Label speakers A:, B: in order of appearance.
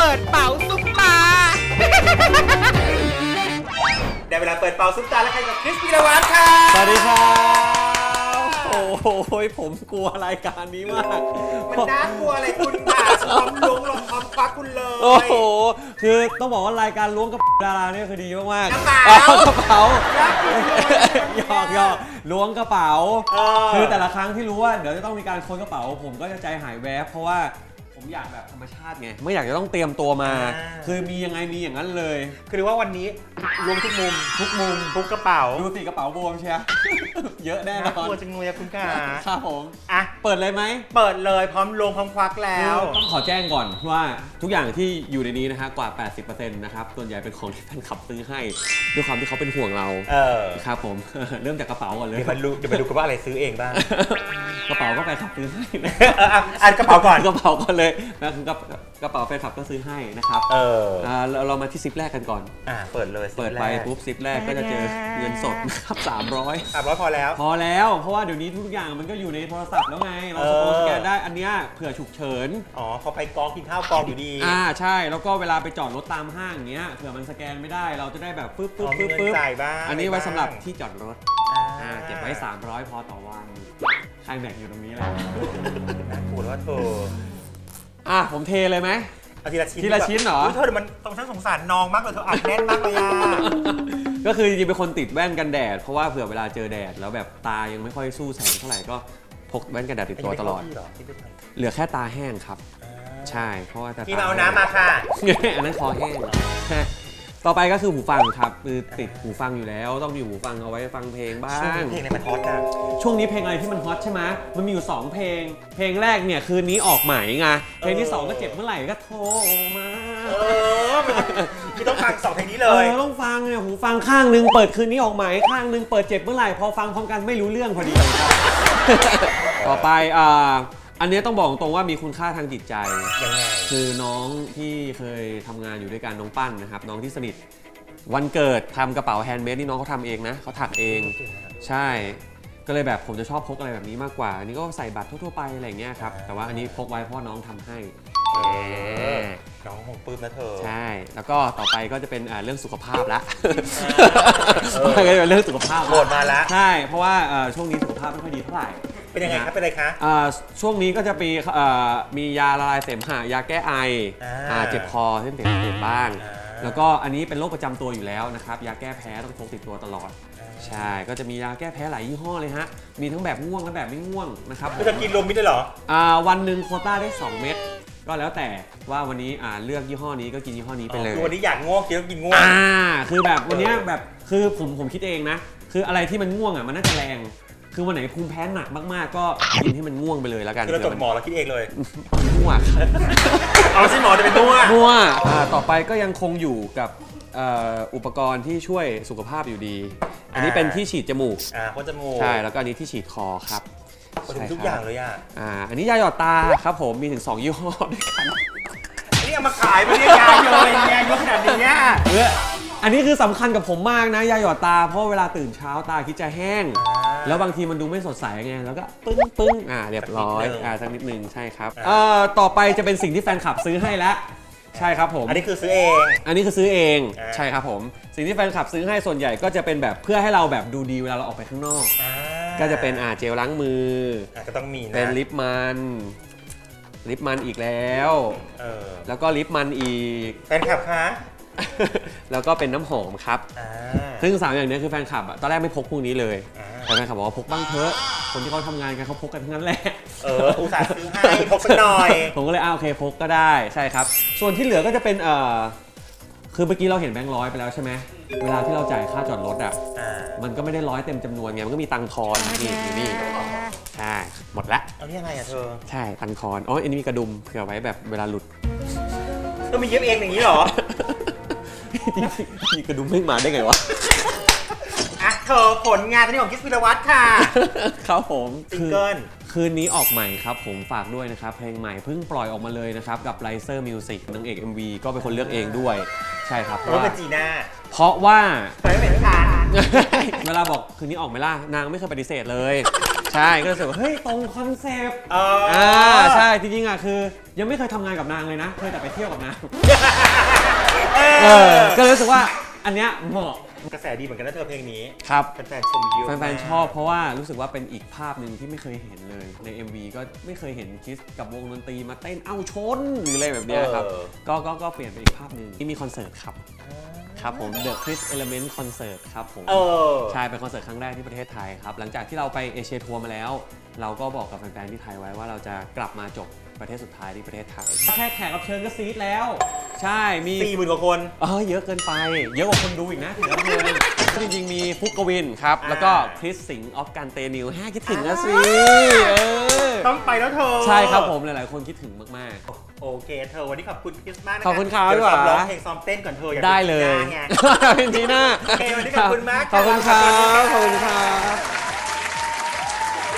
A: ปิดเป๋าซุปตาได้เวลาเปิดเป๋าซุปตาแล้วใครกับคริสพีรวัตรค่ะ
B: สวัสดีครับโอ้โหผมกลัวรายการนี้มาก
A: มันน่ากลัวอะไรคุณค่ะพร้อมล้วงลงพร้อมควักคุณเลย
B: โอ้โหคือต้องบอกว่ารายการล้วงกระเป๋าดาราเนี่ยคือดีมาก
A: ๆกระเป๋า
B: หยอกล้วงกระเป๋าคือแต่ละครั้งที่รู้ว่าเดี๋ยวจะต้องมีการค้นกระเป๋าผมก็จะใจหายแวบเพราะว่าผมอยากแบบธรรมชาติไงไม่อยากจะต้องเตรียมตัวมาคือมียังไงมีอย่างนั้นเลย
A: คือว่าวันนี้รวมทุกมุมทุกกระเป๋า
B: ดูสิกระเป๋าบวมเชียเยอะแน่นอน
A: กลัวจังเลยคุณค่ะ
B: ครับผม
A: อ่ะ
B: เปิดเลยไหม
A: เปิดเลยพร้อมลงพร้อมควักแล้ว
B: ต้องขอแจ้งก่อนว่าทุกอย่างที่อยู่ในนี้นะฮะกว่า 80% นะครับส่วนใหญ่เป็นของที่แฟนคลับซื้อให้ด้วยความที่เขาเป็นห่วงเราครับผมเริ่มจากกระเป๋าก่อนเลย
A: เดี๋ยวมาดูกันว่าอะไรซื้อเองบ้าง
B: กระเป๋าก็แฟนคลับซื้อให้
A: อ่านกระเป๋าก่อน
B: กระเป๋าก่อนเลยนะคือกระเป๋าแฟนคลับก็ซื้อให้นะครับเรามาที่ซิปแรกกันก่อน
A: เปิดเลย
B: เปิดไปปุ๊บซิปแรกก็จะเจอเงินสดนะครับ300
A: พอแล้ว
B: เพราะว่าเดี๋ยวนี้ทุกอย่างมันก็อยู่ในโทรศัพท์แล้วไงเราสแกนได้อันเนี้ยเผื่อฉุกเฉิน
A: พอไปกองกินข้าวกองอยู่ดี
B: ใช่แล้วก็เวลาไปจอดรถตามห้างอย่างเงี้ยเผื่อมันสแกนไม่ได้เราจะได้แบบปึ๊บอันนี้ไว้สำหรับที่จอดรถเก็บไว้300พอต่อวันใครแบกอยู่ตรงนี้แหละ
A: น่ากลัวว่าเธอ
B: ผมเทเลยไหม
A: ทีละชิ้น
B: เหรอ
A: เธอมันต้องฉันสงสารน้องมากเลยเธออัดแน่นมากเลย
B: ก็คือจริงๆเป็นคนติดแว่นกันแดดเพราะว่าเผื่อเวลาเจอแดดแล้วแบบตายังไม่ค่อยสู้แสงเท่าไหร่ก็พกแว่นกันแดดติดตัวตลอดเหลือแค่ตาแห้งครับใช่เพราะว่าตา
A: พี่เมาน้ำมาค่ะ
B: อันนั้นคอแห้งต่อไปก็คือหูฟังครับคือติดหูฟังอยู่แล้วต้องมีหูฟังเอาไว้ฟังเพลงบ้าง
A: เพลงในมันฮอตนะ
B: ช่วงนี้เพลงอะไรที่มันฮอตใช่ไหมมันมีอยู่2เพลงแรกเนี่ยคืนนี้ออกใหม่ไงเพลงที่2ก็เจ็บเมื่อไหร่ก็โทรมา
A: คือต้องฟัง2เพลงนี้เลย
B: ต้องฟังเนี่ยหูฟังข้างนึงเปิดคืนนี้ออกใหม่ข้างนึงเปิดเจ็บเมื่อไหร่พอฟังพร้อมกันไม่รู้เรื่องพอดีต่อไปอันนี้ต้องบอกตรงว่ามีคุณค่าทางจิตใจ
A: ยังไง
B: คือน้องที่เคยทำงานอยู่ด้วยกันน้องปั้นนะครับน้องที่สนิทวันเกิดทำกระเป๋าแฮนด์เมดนี่น้องเขาทำเองนะเขาถักเองใช่ก็เลยแบบผมจะชอบพกอะไรแบบนี้มากกว่าอันนี้ก็ใส่บัตรทั่วๆไปอะไรอย่างเงี้ยครับแต่ว่าอันนี้พกไว้เพราะน้องทำให้
A: น้องของปื้มนะเธอ
B: ใช่แล้วก็ต่อไปก็จะเป็นเรื่องสุขภาพละก็จะเป็นเรื่องสุขภาพ
A: โหดมาแล้ว
B: ใช่เพราะว่าช่วงนี้สุขภาพไม่ค่อยดีเท่าไหร่
A: เป็นยังไงครับเป็นอะไรคะ
B: ช่วงนี้ก็จะมียาละลายเสมหะยาแก้ไอเจ็บคอเส้นเสียงบ้างแล้วก็อันนี้เป็นโรคประจำตัวอยู่แล้วนะครับยาแก้แพ้ต้องพกติดตัวตลอดใช่ก็จะมียาแก้แพ้หลายยี่ห้อเลยฮะมีทั้งแบบง่วงและแบบไม่ง่วงนะครับ
A: จะกินรวมมิตรได้เหรอ
B: วันหนึ่งโควต้าได้2 เม็ดก็แล้วแต่ว่าวันนี้เลือกยี่ห้อนี้ก็กินยี่ห้อนี้ไปเลย
A: คือวันนี้อยากง่วงกินง่วง
B: คือแบบวันนี้แบบคือผมคิดเองนะคืออะไรที่มันง่วงมันน่าจะแรงคือวันไหนภูมิแพ้หนักมากๆก็กินให้มันง่วงไปเลยแล้วกัน
A: เราจบหมอเราคิดเองเลย
B: ง่วง
A: เอาสิหมอจะเป็นง่ว
B: งต่อไปก็ยังคงอยู่กับอุปกรณ์ที่ช่วยสุขภาพอยู่ดีอันนี้เป็นที่ฉีดจมูก
A: พ่นจมูก
B: ใช่แล้วก็อันนี้ที่ฉีดคอครับ
A: ทุกอย่างเลย
B: อันนี้ยาหยอดตาครับผมมีถึง2 ยี่ห้อด้วยกัน
A: นี่เอามาขายไม่ได้ยาเลยยาเยอะขนาดนี้
B: อันนี้คือสำคัญกับผมมากนะยาหยอดตาเพราะเวลาตื่นเช้าตาคิดจะแห้งแล้วบางทีมันดูไม่สดใสไงแล้วก็ปึ้งเรียบร้อยสักนิดนึงใช่ครับต่อไปจะเป็นสิ่งที่แฟนคลับซื้อให้แล้วใช่ครับผม
A: อันนี้คือซื้อเอง
B: ใช่ครับผมสิ่งที่แฟนคลับซื้อให้ส่วนใหญ่ก็จะเป็นแบบเพื่อให้เราแบบดูดีเวลาเราออกไปข้างนอกก็จะเป็นเจลล้างมือ
A: ก็ต้องมีนะ
B: เป็นลิปมันอีกแล้วแล้วก็ลิปมันอีก
A: แฟนคลับคะ
B: แล้วก็เป็นน้ำหอมครับซึ่ง3 อย่างนี้คือแฟนคลับตอนแรกไม่พกพวกนี้เลยแต่แฟนคลับบอกว่าพกบ้างเถอะคนที่เขาทำงานกันเขาพกกันทั้งนั้นแหละ
A: อุตส่าห์ซื้อให้พกสักหน่อย
B: ผมก็เลยโอเคพกก็ได้ใช่ครับส่วนที่เหลือก็จะเป็นคือเมื่อกี้เราเห็นแบงค์100ไปแล้วใช่ไหมเวลาที่เราจ่ายค่าจอดรถมันก็ไม่ได้100เต็มจำนวนไงมันก็มีตังค์ทอนนี่ใช่หมดละ
A: นี่อะไรเธอ
B: ใช่ตังค์ทอนอันนี้มีกระดุมเผื่อไว้แบบเวลาหลุด
A: ก็มีเย็บเองอย่างนี้หรอ
B: มีกระดุมไม่มาได้ไงวะ
A: เธอผลงานที่ของคริสพีรวัตรค่ะ
B: ครับผม
A: ซิงเกิล
B: คืนนี้ออกใหม่ครับผมฝากด้วยนะครับเพลงใหม่เพิ่งปล่อยออกมาเลยนะครับกับ Riser Music นางเอก MV ก็เป็นคนเลือกเองด้วยใช่ครับเพราะ
A: ว่าเป็นจีน่า
B: เพราะว่า
A: ไม่เป็นทาน
B: เวลาบอกคืนนี้ออกไหมล่ะนางไม่เคยปฏิเสธเลยใใช่ก็รู้สึกว่าเฮ้ยตรงคอนเซปต์ใช่จริงๆคือยังไม่เคยทำงานกับนางเลยนะเคยแต่ไปเที่ยวกับนางก็เลยรู้สึกว่าอันเนี้ยเหมาะ
A: กระแสดีเหมือนกันนะเธอเพลงนี้
B: ครับ
A: แฟนๆชมเยอะ
B: แฟนๆชอบเพราะว่ารู้สึกว่าเป็นอีกภาพหนึ่งที่ไม่เคยเห็นเลยใน MV ก็ไม่เคยเห็นคริสกับวงดนตรีมาเต้นเอ้าชนหรืออะไรแบบนี้ครับก็เปลี่ยนเป็นอีกภาพหนึ่งที่มีคอนเสิร์ตครับผม The Chris Element Concert ครับผมใช่เป็นคอนเสิร์ตครั้งแรกที่ประเทศไทยครับหลังจากที่เราไปเอเชียทัวร์มาแล้วเราก็บอกกับแฟนๆที่ไทยไว้ว่าเราจะกลับมาจบประเทศสุดท้ายที่ประเทศไทยแค่แขกรับเชิญก็ซีดแล้วใช่มี
A: 40,000 กว่าคน
B: เยอะเกินไปเยอะกว่าคนดูอีกนะแขกรับเชิญจริงๆมีฟุกกวินครับแล้วก็คริสสิงห์ออฟการเตนิวคิดถึงนะสิ
A: ต้องไปแล้วเธอ
B: ใช่ครับผมหลายๆคนคิดถึงมาก
A: ๆโอเคเธอวันนี้ขอบคุณคริสมากนะ
B: ขอบคุณครับ
A: เดี๋ยวซ้อมร้องเพลงซ้อมเต้นก่อนเธอ
B: ได้เลยเป็นทีหน้า
A: โอเควันนี้ขอบคุณมาก
B: ขอบคุณครับ